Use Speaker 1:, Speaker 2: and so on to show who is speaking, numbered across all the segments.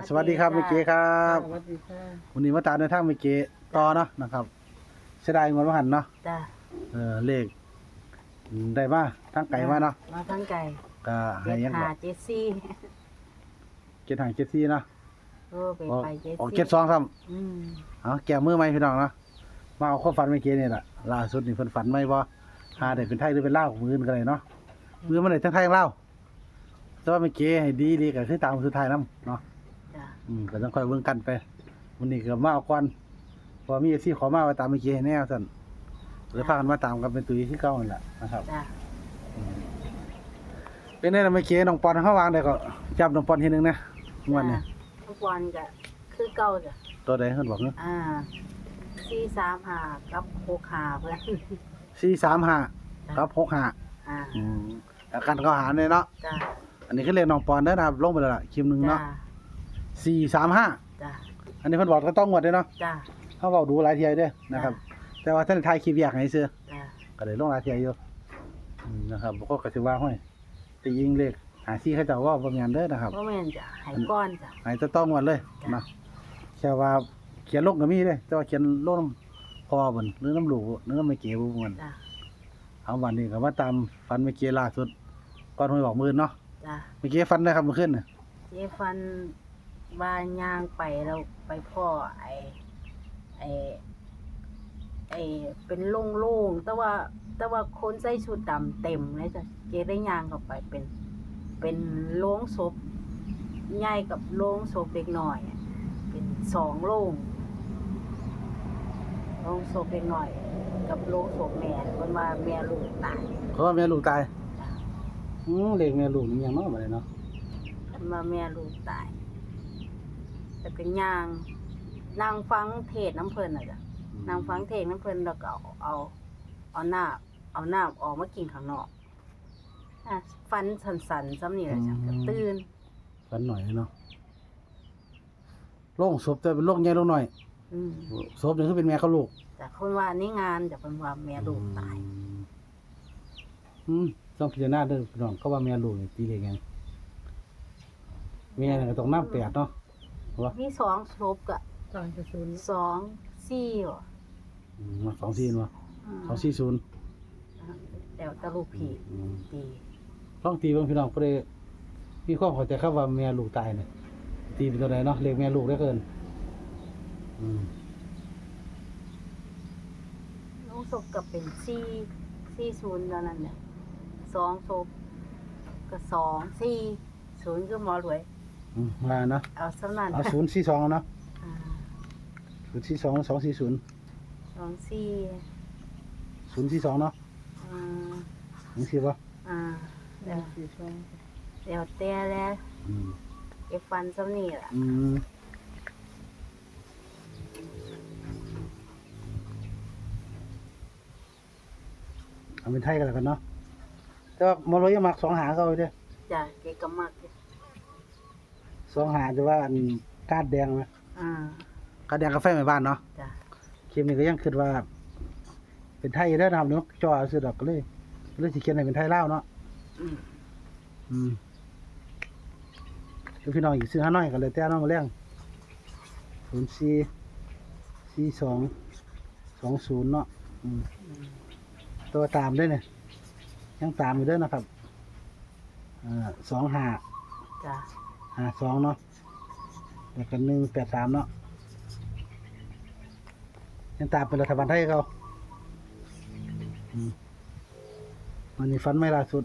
Speaker 1: สวัสดีครับเมเก๋ครับ
Speaker 2: สวัสดีค่ะ
Speaker 1: วันนี้มาตามในทางเมเก๋ต่อเนาะนะครับเสียดายเงินว่าหันเนาะ
Speaker 2: จ้า
Speaker 1: เลขได้มาทั้งไก่มาเนาะ
Speaker 2: มาทั้งไก่
Speaker 1: ก็ให้ยังบอก
Speaker 2: เจ็ดซี่
Speaker 1: 7 5 7 4เนาะ
Speaker 2: ไป
Speaker 1: ออก
Speaker 2: ไปเจ็ด
Speaker 1: ออก
Speaker 2: ซี่
Speaker 1: 7 2ซ้
Speaker 2: อืม
Speaker 1: ำเอาแก้มือไหมพี่น้องเนาะมาเอาข้อฝันเมเก๋นี่แหละล่าสุดนี่เพิ่นฝันไหมบ่หาได้เป็นไทยหรือเป็นลาวมืออื่นก็ได้เนาะมือมันได้ทั้งไทยทั้งลาวแต่ว่าเมเก๋ให้ดีก็คือตามสุดท้ายนำเนาะ
Speaker 2: จ้า
Speaker 1: ก็ต้องค่อยเบิ่งกันไปวันนี้ก็มาเอาก่อนพอมีที่ขอมาไว้ตามเมเก๋ให้แน่ซั่นเลยพากันมาตามกันเป็นตุ้ยที่เก่านั่นแหละนะครับ
Speaker 2: จ้า
Speaker 1: เป็นไงล่ะเมื่อกี้น้องปอนเขาวางได้ก็จับน้องปอนทีนึงนะงวดนี้
Speaker 2: ทุกวันก็คือเก่าจ้ะ
Speaker 1: ตัวใดเพิ่นบอกเนาะ
Speaker 2: 435กับ65เพิ่น
Speaker 1: 435กับ65แล้วกันเขาหารเลยเนาะ
Speaker 2: จ้า
Speaker 1: อันนี้คือเลขน้องปอนเด้อนะครับลงไปแล้วล่ะคลิปนึง
Speaker 2: จ้า
Speaker 1: เนาะ435
Speaker 2: จ้า
Speaker 1: อันนี้เพิ่นบอกก็ต้องงวดเด้อเนาะ
Speaker 2: จ้า
Speaker 1: เฮาเว้าดูหลายเที่ยเด้อนะครับแต่ว่าท่านถ่ายคลิปแยกให้ซื่อ
Speaker 2: จ้า
Speaker 1: ก็ได้ลงหลายเที่ยอยู่นะครับบ่ก็สิว่าห้อยแต่ยิงเลข54เขาเจ้าว่าบ่แม่นเด้อนะครับ
Speaker 2: บ่แม่นจ้ะให้ก้อนจ้ะ
Speaker 1: ให้จะต้องงวดเลยเนาะแค่ว่าเขียนลงก็มีเด้แต่ว่าเขียนลงพอบ่นหรือน้ำลูกหรือน้ำไม่เก๋บ่ม่วน
Speaker 2: จ้า
Speaker 1: เอาวันนี้ก็มาตามฟันเมื่อกี้ล่าสุดก่อนหวยบอกมื้อเนาะ
Speaker 2: จ้า
Speaker 1: เมื่อกี้ฟันได้ครับเมื่อคืนน่ะ
Speaker 2: เจฟันบ้านย่างไปแล้วไปพ่อไอ้เป็นโล่งๆแต่ว่าคนใส่ชุดดำเต็มเลยจ้ะเจได้ย่างเข้าไปเป็นโล่งศพใหญ่กับโล่งศพเล็กน้อยอะเป็น2โล่งศพเล็กน้อย กับโล่งศพแม่เพิ่นว่าแม่ลูกตาย
Speaker 1: เขาว่าแม่ลูกตาย
Speaker 2: จ้ะ
Speaker 1: เลขแม่ลูกนี่ยังเนาะบัดนี้เนาะ
Speaker 2: เพิ่นว่าแม่ลูกตายแล้วก็ย่างนั่งฟังเทศน์น้ำเพิ่นน่ะจ้ะ นางฟังเทงน้ำเพิ่นแล้วก็เอาน้ำออกมากินข้างนอกฟันสันๆซ้ำนี่แหละจ้ะก็ตื่น
Speaker 1: ฟันหน่อยเนาะโรงศพแต่เป็นโรงใหญ่โรงน้อย
Speaker 2: อืม
Speaker 1: ศพนี่คือเป็นแม่กับลูก
Speaker 2: แต่คนว่านี่งานแต่เพิ่นว่าแม่ลูกตาย
Speaker 1: ต้องพิจารณาเด้อพี่น้องเขาว่าแม่ลูกนี่ตีเลขหยังแม่นี่ก็ต้องนำ8เนาะว่า
Speaker 2: มี2ศพก็2 4บ่
Speaker 1: 24เนาะ240
Speaker 2: แล้วแต่ลูกพี่ตี
Speaker 1: ลองตีเบิ่งพี่น้องเพิ่นได้มีความเข้าใจครับว่าแม่ลูกตายนี่ตีเป็นตัวใดเนาะเลขแม่ลูกได้เกิน
Speaker 2: น้องศพก็เป็น40เท่านั้นเนี่ย2ศพก็2 4 0คือหมอรวย
Speaker 1: มาเนาะ
Speaker 2: เอาสำนั้น
Speaker 1: เอา042เอาเนาะ
Speaker 2: อ่า
Speaker 1: 042 240
Speaker 2: 24
Speaker 1: 042เนาะ
Speaker 2: อ่า
Speaker 1: จังซี่บ่
Speaker 2: แล้วแต่แล้วเอฟันซ้ำนี่ล่ะ
Speaker 1: เอาเป็นไทยกันแล้วกันเนาะแต่ว่าหมอรวยยังมัก2หาเขาอยู่เด้อ
Speaker 2: จ้ะเกก็มักอยู่
Speaker 1: 2หาจะว่าอันกาดแดงนะ
Speaker 2: อ่าก
Speaker 1: าดแดงกาแฟแม่บ้านเนาะ
Speaker 2: จ้ะ
Speaker 1: คลิปนี้ก็ยังคิดว่า เป็นไทยเด้อนะครับเนาะจ่อซื้อดอกก็เลยสิเขียนให้เป็นไทยลาวเนาะพี่น้องอีกซื้อหาน้อยก็เลยแต่น้องมาเลี้ยง04 42 20เนาะตัวตามด้วยเนี่ยยังตามอยู่เด้อนะครับ25
Speaker 2: จ้ะ
Speaker 1: 52เนาะแล้วก็183เนาะยังตามเป็นรัฐบาลไทยเขาวันนี้ฟันไม่ล่าสุด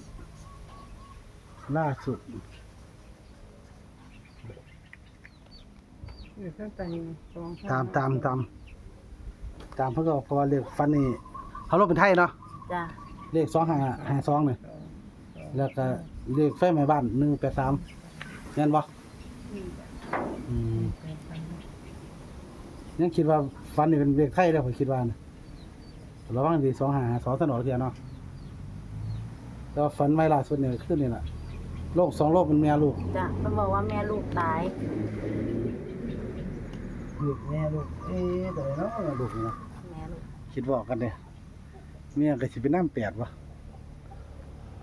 Speaker 1: ตามเพื่อเพราะว่าเลขฟันนี่เขาลบเป็นไทยเนาะ
Speaker 2: จ้ะ
Speaker 1: เลข2552เนี่ยแล้วก็เลขไฟไหม้บ้าน183แม่นบ่ยังคิดว่าฟันนี่เป็นเลขไทยแล้วผมคิดว่านะระวังดี2552ตลอดเที่ยเนาะแต่ว่าฟันไม่ล่าสุดเนี่ยขึ้นนี่ล่ะโรค2โรคเป็นแม่ลูก
Speaker 2: จ้ะเพิ่นบอกว่าแม่ลูกตาย
Speaker 1: แม่ลูกแต่เนาะลูกนี่เนาะ
Speaker 2: แม่ลูก
Speaker 1: คิดว่ากันเด้เมียก็สิเป็นน้ำ8บ่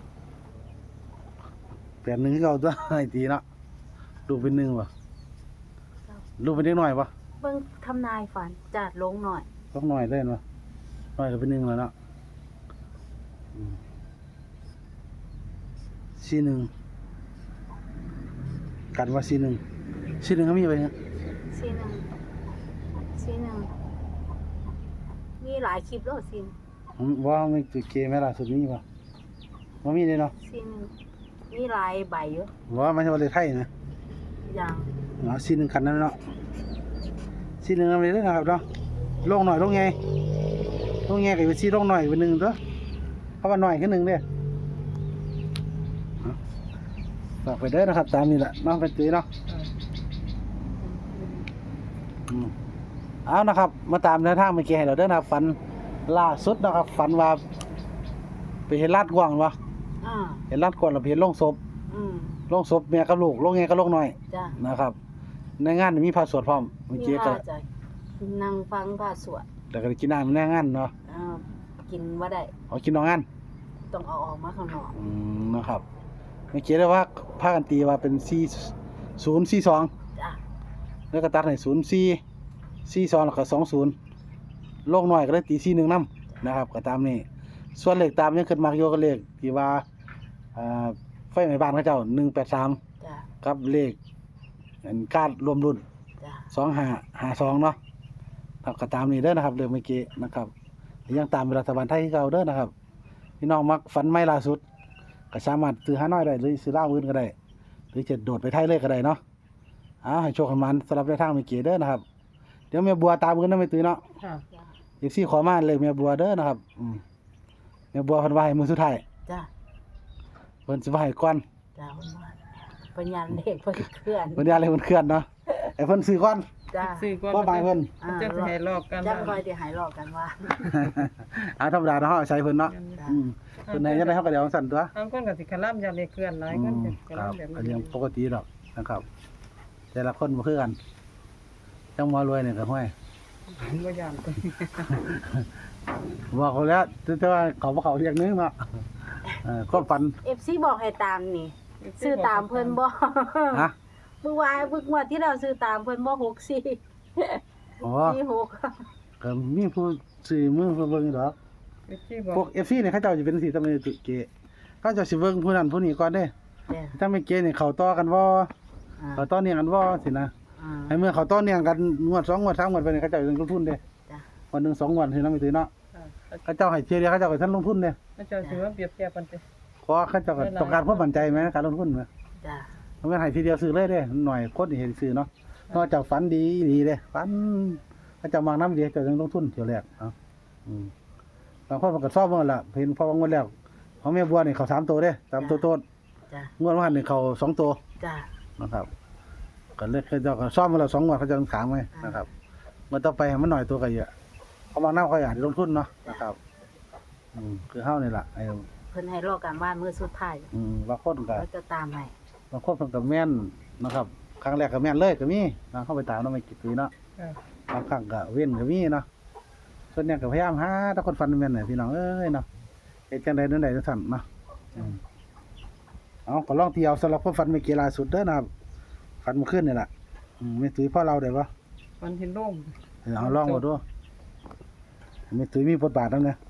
Speaker 1: 8 1คือเก่าตัวให้ตีเนาะลูกเป็น1บ่ลูกเป็นเด็กน้อยบ่
Speaker 2: เบิ่งทำนายฝันจัดลงหน่อย
Speaker 1: ต้องน้อยเล่นบ่น้อยก็เป็นหนึ่งแล้วเนาะ41กันว่า41ก็มีไปฮะ
Speaker 2: ซีหนึ่งมีหลายคลิปแล้วซีน
Speaker 1: ว่ามีตัวเกมแม่ล่าสุดมีบ่บ่มีเลยเนาะ
Speaker 2: ซีหนึ่งมีหลายใบเยอะ
Speaker 1: ว่ามันว่าเลขไทยนะ
Speaker 2: อย่าง
Speaker 1: 41คันนั้นเนาะ41นำเลยเด้อนะครับเนาะลงหน่อยลงไงก็เป็น4ลงหน่อยเป็น1ตัวเพราะว่าน้อยคือ1เด้อฝากไปเด้อนะครับตามนี้แหละเนาะเป็นตุ้ยเนาะเอานะครับมาตามแนวทางเมื่อกี้ให้เราเด้อนะครับฝันล่าสุดนะครับฝันว่าไปเห็นลาดกว้างบ่
Speaker 2: อ่า
Speaker 1: เห็นลาดกว้างแล้วไปเห็นโรงศพ
Speaker 2: อืม
Speaker 1: โรงศพแม่กับลูกโรงไงกับโรงน้อย
Speaker 2: จ้ะ
Speaker 1: นะครับในงานนี่มีพระสวดพร้อมเมื่อ
Speaker 2: มี
Speaker 1: กี้ก็
Speaker 2: ว่าจะนั่งฟังพระสวด
Speaker 1: แล้วก็ได้กินน้ำในงานเนาะ
Speaker 2: กินว่าได้
Speaker 1: เอากินนอกงาน
Speaker 2: ต้องเอาออกมาข้างนอก
Speaker 1: นะครับเมื่อกี้ได้ว่าพากันตีว่าเป็น4042
Speaker 2: จ้ะ
Speaker 1: แล้วก็ตัดให้0442แล้วก็20โลกน้อยก็ได้ตี41นำนะครับก็ตามนี้ส่วนเลขตามยังขึ้นมักอยู่ก็เลขที่ว่าไฟไหม้บ้านเขาเจ้า183
Speaker 2: จ้ะ
Speaker 1: กับเลขอันการรวมรุ่น
Speaker 2: จ้ะ
Speaker 1: 2552เนาะครับก็ตามนี้เด้อนะครับเรื่องเมื่อกี้นะครับยังตามรัฐบาลไทยคือเก่าเด้อนะครับพี่น้องมักฝันใหม่ล่าสุดก็สามารถซื้อหาน้อยได้หรือซื้อลาวอื่นก็ได้หรือจะโดดไปไทยเลยก็ได้เนาะให้โชคให้มันสำหรับในทางเมื่อกี้เด้อนะครับเดี๋ยวแม่บัวตามกันนำไปตื้อเนาะ
Speaker 3: ค่ะ
Speaker 2: จ้ะ
Speaker 1: อีก4ขอมาเลยแม่บัวเด้อนะครับแม่บัวเพิ่นว่าให้มื้อสุดท้าย
Speaker 2: จ้ะ
Speaker 1: เพิ่นสิว่าให้ก่อน
Speaker 2: จ้ะเพิ่นว่าปัญญาเด็กเพิ่นเคลื่อน
Speaker 1: เพิ่นอย่าเลยเพิ่นเคลื่อนเนาะให้เพิ่นซื้อก่อน
Speaker 2: จ้ะ
Speaker 3: ซื้อก่อน
Speaker 1: บ่หมายเพิ่น
Speaker 3: จะให้ลอกกัน
Speaker 2: จังคอยสิหายหลอกกันว่า
Speaker 1: ธรรมดาเนาะเฮาใช้เพิ่นเนาะ
Speaker 2: จ้ะ
Speaker 1: เพิ่นให้จังได๋เฮาก็เดี๋ยวสั่นตัว
Speaker 3: บางคนก็สิคลำอย่าเลยเคลื่อนหลายคนก็
Speaker 1: ครับ
Speaker 3: คลำแบบ
Speaker 1: อันนี้ปกติดอกนะครับ แต่ละคนบ่คือกันจังหมอรวยเนี่ยก็ห้วย
Speaker 3: บ่ย่าน
Speaker 1: บอกเขาแล้วแต่ว่าเขาบ่เขาเรียกนึงเนาะก็ฝัน
Speaker 2: FC บอกให้ตามนี่ ซื้อตามเพิ่นบ่
Speaker 1: ฮะ
Speaker 2: เมื่อวานเมื่อวันที่เราซื้อตามเพิ่นบ่64
Speaker 1: อ๋อ
Speaker 2: 46
Speaker 1: ก็มีผู้ซื้อมือเพิ่นเบิ่งดอก
Speaker 3: ที่บอก
Speaker 1: พวก FC เนี่ยเขาเจ้าสิเป็นสิตำแหน่งตุเกะเขาเจ้าสิเบิ่งผู้นั้นผู้นี้ก่อนเด้
Speaker 2: จ้ะ
Speaker 1: ถ้าไม่เกะนี่เขาต่อกันบ่
Speaker 2: อ่า
Speaker 1: เขาต่อเนื่องกันบ่สินะ
Speaker 2: อ่า
Speaker 1: ให้เมื่อเขาต่อเนื่องกันงวด2งวด3งวดไปนี่เขาเจ้าลงทุนเด้
Speaker 2: จ้ะ
Speaker 1: วันหนึง2งวดสินะไม่ตื้อเนาะ
Speaker 3: ค่ะ
Speaker 1: เขาเจ้าให้เที่ยวเดียวเขาเจ้าก็ทันลงทุนเด้
Speaker 3: พระเจ้าสิว่าเปรียบเทียบกันสิ
Speaker 1: เพราะเขาเจ้าก็ต้องการความมั่นใจไหมการลงทุนไหม
Speaker 2: จ้ะ
Speaker 1: มันไม่ให้ทีเดียวซื้อเลยเด้หน่อยคนที่เห็นซื้อเนาะนอกจากฝันดีดีเด้ฝันเขาเจะมางน้ำดีเจะยังลงทุนเที่ยวแรกเนาะบางคนมันก็ชอบมันล่ะเห็นพอวางงวดแล้วของแม่บัวนี่เขา3ตัวเด้3ตัวโตด
Speaker 2: จ้ะ
Speaker 1: งวดว่านี่เขา2ตัว
Speaker 2: จ้ะ
Speaker 1: นะครับก็เลยเขาเจ้าก็ซ่อมมาแล้ว2งวดเขาจะถามไว้นะครับเมื่อต่อไปให้มันหน่อยตัวก็เยอะเขามางน้ำเขาอยากลงทุนเนาะนะครับคือเฮานี่ล่ะไอ้
Speaker 2: เพิ่นให้รอการบ้านมื้อสุดท้าย
Speaker 1: บางคนก็
Speaker 2: แล้วจะตามให้
Speaker 1: บางคนเพิ่นก็แม่นนะครับครั้งแรกก็แม่นเลยก็มีนะเข้าไปตามเนาะไม่กี่ปีเนาะ
Speaker 3: ค่ะ
Speaker 1: บางครั้งก็เว้นก็มีเนาะส่วนใหญ่ก็พยายามหาถ้าคนฟันแม่นน่ะพี่น้องเอ้ยเนาะเฮ็ดจังได๋นั่นใดจังซั่นเนาะเอาก็ลองเที่ยวสำหรับคนฟันไม่กี่ล่าสุดเด้อนะครับฟันเมื่อคืนนี่ล่ะไม่ตุ้ยพ่อเราได้บ่
Speaker 3: มันเห็นโล่ง
Speaker 1: เอาลองบ่ดูไม่ตุ้ยมีบทบาทนำเนี่ย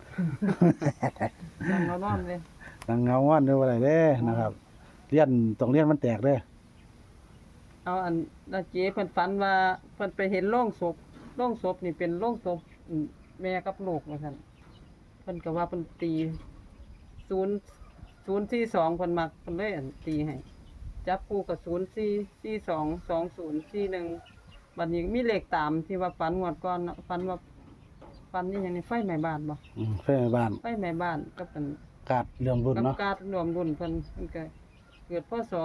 Speaker 3: นั่งเรานอนเลย
Speaker 1: นางเงาว่านเด้อว่าได้เด้นะครับเรียนต้องเรียนมันแตกเด้อ
Speaker 3: เอาอันนาเจ๊เพิ่นฝันว่าเพิ่นไปเห็นโล่งศพนี่เป็นโล่งศพแม่กับลูกว่าซั่นเพิ่นก็ว่าเพิ่นตี042เพิ่นมักเพิ่นเลยอันตีให้จับคู่กับ04422041บัดนี้มีเลขตามที่ว่าฝันงวดก่อนเนาะฝันว่าฝันนี่หยังนี่ไฟไหม้บ้านบ่
Speaker 1: เพื่อนบ้าน
Speaker 3: ไฟไหม้บ้านกับเป็น
Speaker 1: กาดเรื่องบุญ
Speaker 3: กับ
Speaker 1: เนาะ
Speaker 3: การรวมรุ่นเพิ่นก็เกิดพศ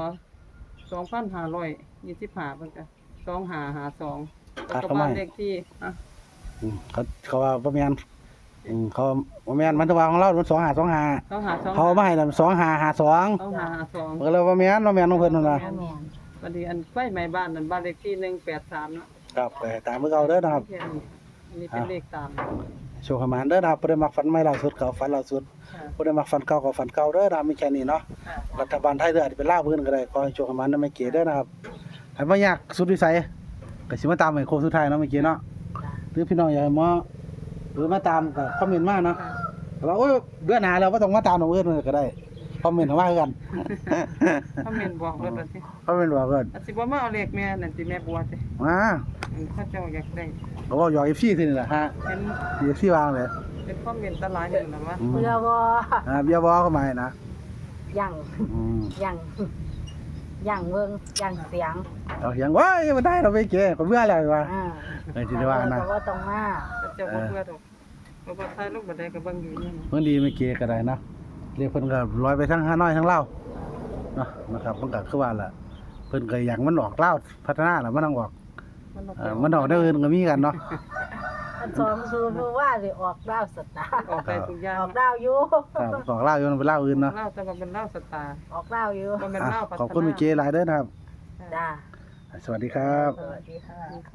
Speaker 3: 2525เพิ่นก็2552แล้วก็บ้านเลขที่
Speaker 1: เขาว่าบ่แม่นเขาบ่แม่นมันต้องว่าของเรามัน2525
Speaker 3: 2522
Speaker 1: เขาเอามาให้นั่น2552
Speaker 3: 2552
Speaker 1: ก็เลยว่าแม่นบ่แม่นของเพิ่นนั่นล่ะ
Speaker 2: แม่น
Speaker 3: บัดนี้อันไฟไหม้บ้านนั่นบ้านเลขที่183เนาะ
Speaker 1: ครับไปตามเก่าเด้อนะครับ
Speaker 3: แค่นี้อันนี้เป็นเลขตาม
Speaker 1: โชคให้มานเด้อนะครับบ่ได้มักฝันใหม่ล่าสุดก็ฝันล่าสุด
Speaker 3: ค่ะ
Speaker 1: บ่ได้มักฝันเก่าก็ฝันเก่าเด้อนะครับมีแค่นี้เนาะ
Speaker 3: ค่ะ
Speaker 1: รัฐบาลไทยเด้ออาจจะเป็นลาวเพิ่นก็ได้ขอให้โชคให้มานนำไม่เกเด้อนะครับให้บ่ยากสุดวิสัยก็สิมาตามให้โค้งสุดท้ายเนาะเมื่อกี้เนาะ
Speaker 2: จ้ะ
Speaker 1: หรือพี่น้องอยากให้หมอหรือมาตามก็คอมเมนต์มาเนาะแต่ว่าโอ้ยเดือนหน้าแล้วบ่ต้องมาตามดอกเอิ้นก็ได้คอมเมนต์เข้ามาคือกัน
Speaker 3: เขาเมนบอกรถว่าสิ
Speaker 1: คอมเมนต์บอกเอิ้น
Speaker 3: อาจสิบ่มาเอาเลขแม่นั่นสิแม่บัวสิ
Speaker 1: มา
Speaker 3: เขาเจ้าอยากได้
Speaker 1: ก็เว้าหยอก FC ซื่อนี่แหละฮะ
Speaker 3: เป็น
Speaker 1: FC วางเลย
Speaker 3: เป็นคอมเมนต์ตะหลายอยู่นั่นว่า
Speaker 1: อืม
Speaker 2: เพื่อบ่
Speaker 1: เบียร์บ่เข้ามาให้นะ
Speaker 2: ยัง
Speaker 1: อืม
Speaker 2: ยังเบิ่งยังเสียง
Speaker 1: เอาเสียงว้ายบ่ได้เราไปเก๋ก็เบื่อแล้วว่า
Speaker 2: อ่า
Speaker 1: เออสิได้ว่านะ
Speaker 2: ก็บ่ต้องมา
Speaker 3: เขาเจ้าบ่เบื่อดอกเพราะว่าถ่ายรูปบ่ได้ก็เบิ่งอยู่นี่
Speaker 1: เพิ่นดีไม่เก๋ก็ได้นะเรียกเพิ่นก็ลอยไปทั้งฮานอยทั้งลาวเนาะนะครับมันก็คือว่าล่ะเพิ่นก็อยากมันออกลาวพัฒนาแล้วมันต้องออก มันออกได้อื่นก็มีกันเนาะ
Speaker 2: อันสองสูตรรู้ว่าสิออกดาวสตาร์
Speaker 3: ออกได้ทุกอย่าง
Speaker 2: ออกดาวอยู่
Speaker 1: ครับออกลาวอยู่มันเป็นลาวอื่นเนาะ
Speaker 3: เล่าแต่ว่าเป็นเล่าสตาร์
Speaker 2: ออกดาวอยู่
Speaker 3: บ่แม่น
Speaker 1: อ่ะ
Speaker 3: เล่าพัฒนา
Speaker 1: ขอบคุณเมื่อกี้หลายเด้อนะครับ
Speaker 2: จ้า
Speaker 1: สวัสดีครับ
Speaker 2: สวัสดีค่ะ